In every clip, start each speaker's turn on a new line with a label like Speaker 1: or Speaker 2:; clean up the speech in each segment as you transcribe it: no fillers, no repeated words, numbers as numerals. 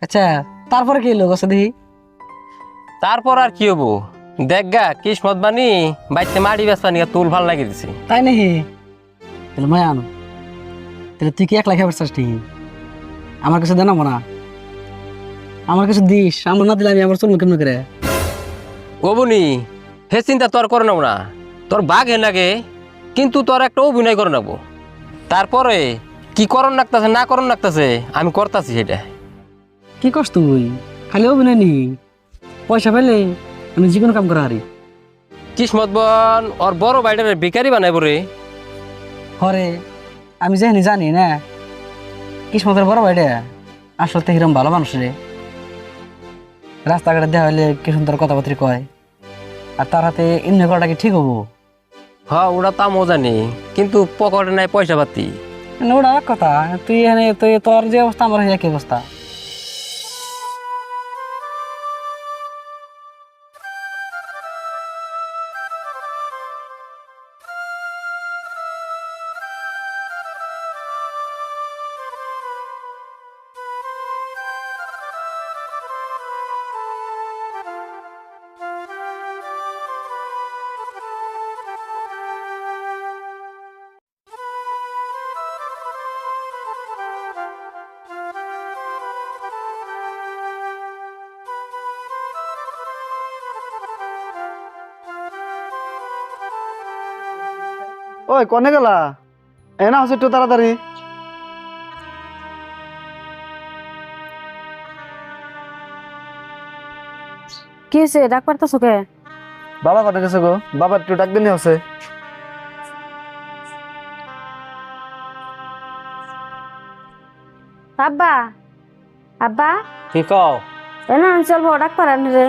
Speaker 1: আচ্ছা, তারপরে কি হলো গছে দেখি?
Speaker 2: তারপর আর কি হবো, দেখ গা কিসমত বানি বাইতে মাড়ি বেসা নিয়ে তুল ভাল লাগিয়ে দিছি।
Speaker 1: তাই নাকি? তাহলে মায়া আনো, তাহলে তুই কি একলা খাবার চাস ঠিকই? আমার কাছে জানাবো না, আমার কাছে দিস, আমার না দিলে আমি আমার চলবো কেমন করে?
Speaker 2: ও বনি, হে চিন্তা তোর করে নেব না, তোর বাঘ হে লাগে, কিন্তু তোর একটা অভিনয় করে নেবো। তারপরে কি করণ লাগতেছে না করণ লাগতেছে আমি করতেছি সেটা।
Speaker 1: কি করস তুই? খালি অভিনয় নি, পয়সা পেলে আমি যে কোনো কাম করা হারি।
Speaker 2: কিসমত বন ওর বড় বাইটারে ভিখারি বানাইব রে।
Speaker 1: হরে, আমি যেখানে জানি না কিসমতের বড় ভাইটা আসলে তো হিরম ভালো মানুষ রে। রাস্তাঘাটে দেওয়া হলে কি সুন্দর কথাবার্তা কয়, আর তার হাতে এমনি করাটা কি ঠিক হবো?
Speaker 2: হ ওটা তো আমিও জানি, কিন্তু পকেটে নাই পয়সা পাতি।
Speaker 1: না, ওটা এক কথা, তুই এখানে তুই তোর যে অবস্থা আমার একই অবস্থা।
Speaker 3: ওই কনে গেলা? এনা হচ্ছে একটু তাড়াতাড়ি।
Speaker 4: কি হয়েছে? ডাক পারতেছো কে?
Speaker 3: বাবা কনে গেছে গো? বাবা একটু ডাক দিনে হচ্ছে।
Speaker 4: আব্বা, আব্বা,
Speaker 2: কি কও?
Speaker 4: না চলবো, ডাক পারেন রে।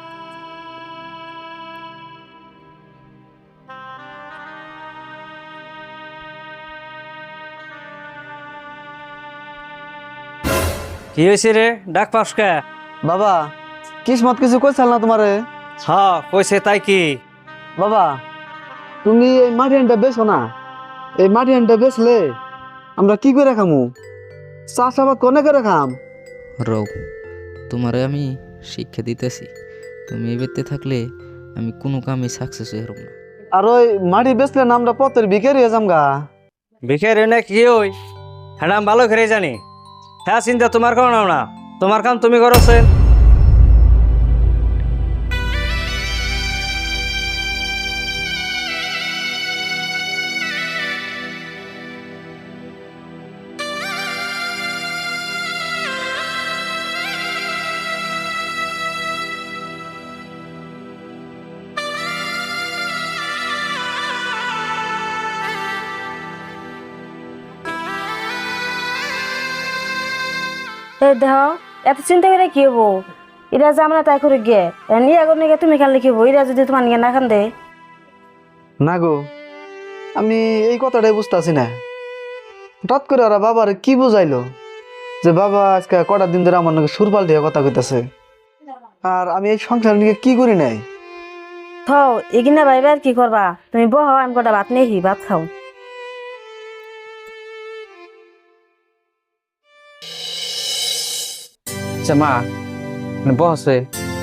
Speaker 5: কি হয়েছে রে, ডাক পাস কে?
Speaker 3: বাবা, কিসমত কিছু কইছাল না তোমারে?
Speaker 5: হ্যাঁ কইছে, তাই কি?
Speaker 3: বাবা, তুমি এই মাটি হাঁড়িটা বেছো না। এই মাটি হাঁড়িটা বেচলে আমরা কি করে খামু? চাষাবাদ কনে করে খাম?
Speaker 6: রও, তোমারে আমি শিক্ষা দিতেছি। তুমি এই বেতে থাকলে আমি কোনো কামে সাকসেস হইব না।
Speaker 3: আর ওই মাটি বেচলে না আমরা পথের ভিখারি হয়ে যামগা।
Speaker 5: ভিখারি না কি ওই? হ্যাঁ আমি ভালো করে জানি। হ্যাঁ চিন্তা তোমার করো না, তোমার কাম তুমি করছেন।
Speaker 4: দেহ, এত চিন্তা করে কি হবো? এরা যে আমরা তাই করে গে নিয়ে আগুন নিয়ে তুমি খেললে কি হবো? এরা যদি তোমার নিয়ে না খান দে।
Speaker 3: না গো, আমি এই কথাটাই বুঝতেছি না। হঠাৎ করে ওরা বাবার কি বুঝাইলো যে বাবা আজকে কটা দিন ধরে আমার নাকি সুর পাল্টিয়ে কথা কইতাছে, আর আমি এই সংসার নিয়ে কি করি নাই।
Speaker 4: থাও এগিনা ভাইবা আর কি করবা? তুমি বহ, আমি কটা ভাত নিয়ে ভাত খাও।
Speaker 1: আচ্ছা মা, বসে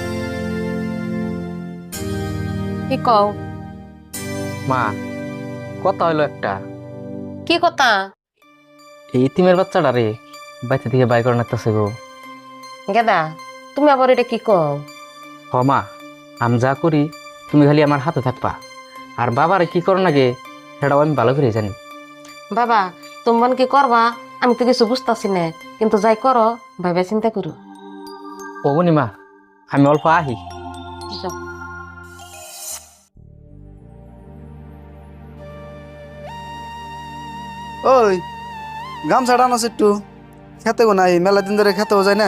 Speaker 7: কি কও?
Speaker 1: মা, কথা হইলো একটা।
Speaker 7: কি কথা?
Speaker 1: এই ইতিমের বাচ্চাটা রে বাচ্চা থেকে বাই করে নাকতেছে গো।
Speaker 7: গেদা, তুমি আবার এটা কি কও?
Speaker 1: হ মা, আমি যা করি তুমি খালি আমার হাতে থাকবা, আর বাবারে কি করো নাকি সেটাও আমি ভালো করে জানি।
Speaker 7: বাবা, তোমার কি করবা আমি তো কিছু বুঝতেছি না, কিন্তু যাই করো ভাইবা চিন্তা করো।
Speaker 1: ওগুনি মা, আমি অল্প আহি।
Speaker 7: যাও।
Speaker 3: ওই গামছাটা আনছে একটু, খেতে গো নাই, মেলা দিন ধরে খেতেও যায় না।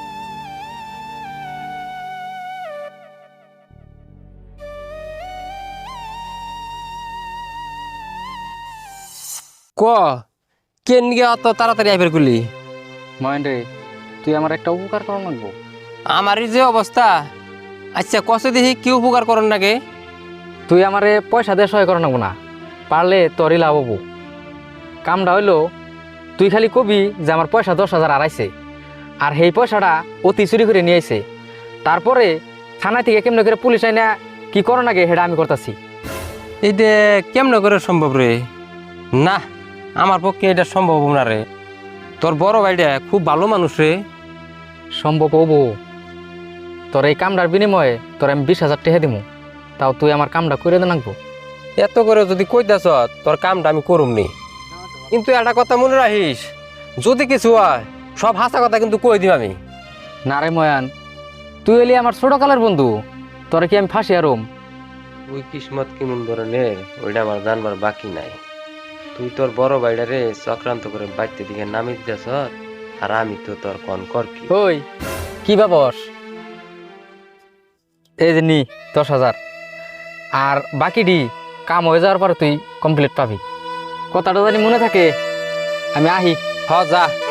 Speaker 2: ক কেন গিয়ে অত তাড়াতাড়ি আইবার করলি?
Speaker 1: মহেন রে, তুই আমার একটা উপকার করা লাগবো।
Speaker 2: আমার এই যে অবস্থা, আচ্ছা কষে দেখি কি উপকার করেন নাকি?
Speaker 1: তুই আমারে পয়সা দিয়ে সহায় করা লাগবো না, পারলে তোরই লাভ হবো। কামটা হইলো তুই খালি কবি যে আমার পয়সা 10,000 আড়াইছে,
Speaker 8: আর সেই পয়সাটা অতি চুরি করে নিয়ে আইছে। তারপরে থানা থেকে কেমনে করে পুলিশ আইনা কি করো নাকি সেটা আমি করতেছি।
Speaker 2: এইটা কেমন করে সম্ভব রে? না, আমার পক্ষে এটা সম্ভব না রে। তোর বড় ভাইটা খুব ভালো মানুষ রে।
Speaker 8: সম্ভব হবো, তোর এই কামটার বিনিময়ে তোর আমি 20,000 টাকা দিব, তাও তুই আমার কামটা করে দে নাকবো।
Speaker 2: এত করে যদি কইতাছ তোর কামটা আমি করুমনি, কিন্তু একটা কথা মনে রাখিস, যদি কিছু হয় সব হাসা কথা কিন্তু কই দিম আমি।
Speaker 8: না রে ময়ান, তুই এলি আমার ছোটকালের বন্ধু, তোরা কি আমি ফাঁসি আরম?
Speaker 2: তুই কিসমত কেমন ধরনের ওইটা আমার জানবার বাকি নাই। তুই তোর বড় ভাইটারে চক্রান্ত করে বাইতে দিকে নামি দিতেছ, আর আমি তো তোর কন কর কি।
Speaker 8: ওই কি বাবস, এই যে নি 10,000, আর বাকিটি কাম হয়ে যাওয়ার পরে তুই কমপ্লিট পাবি। কথাটা জানি মনে থাকে। আমি আহি।
Speaker 2: হ যা।